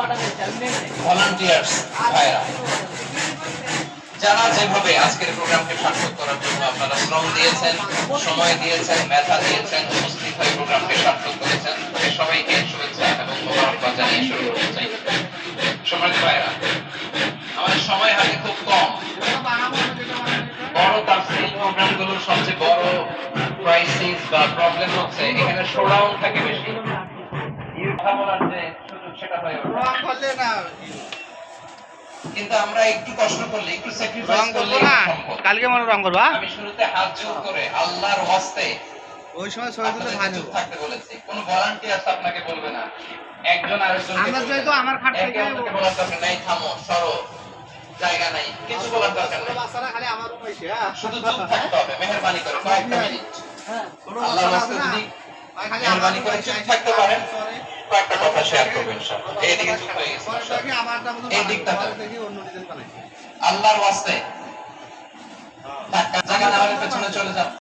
Volunteers ভাইরা, যারা যেভাবে আজকের প্রোগ্রামকে সার্থক করার জন্য আপনারা শ্রম দিয়েছেন, সময় দিয়েছেন, মেধা দিয়েছেন, উপস্থিত হয়ে প্রোগ্রামকে সার্থক করেছেন, সবাইকে শুভেচ্ছা এবং মোবারকবাদ জানিয়ে শুরু করতে চাই। সম্মানিত ভাইরা, আমাদের সময় হাতে খুব কম। বড় তাফসীর প্রোগ্রামগুলোর সবচেয়ে বড় ক্রাইসিস বা প্রবলেম হচ্ছে এখানে শোডাউন থাকে বেশি। কথা বলার যে সুযোগ সেটা হয়ে ওঠে না। কিন্তু আমরা একটু কষ্ট করলে, একটু স্যাক্রিফাইস করলে সম্ভব। কালকে মনে রং করবা। আমি শুরুতে হাত জোড় করে আল্লাহর ওয়াস্তে ওই সময় ছবি তুলে ভালো থাকতে বলেছি। কোন ভলান্টিয়ার্স আপনাকে বলবে না, একজন আরেকজনকে আমরা যেহেতু আমার খাট থেকে বলার দরকার নাই, থামো, সরো, জায়গা নাই, কিছু বলার দরকার নাই। বাচ্চারা খালি আমার উপরে শুধু চুপ থাকতে হবে, মেহেরবানি করে কয়েকটা মিনিট। আল্লাহর ওয়াস্তে যদি মেহেরবানি করে চুপ থাকতে পারেন, কয়েকটা কথা শেয়ার করবেন ইনশাআল্লাহ। এইদিকে চুপ হয়ে গেছে, এই দিকটা আল্লাহর ওয়াস্তে জায়গা না হলে পেছনে চলে যান।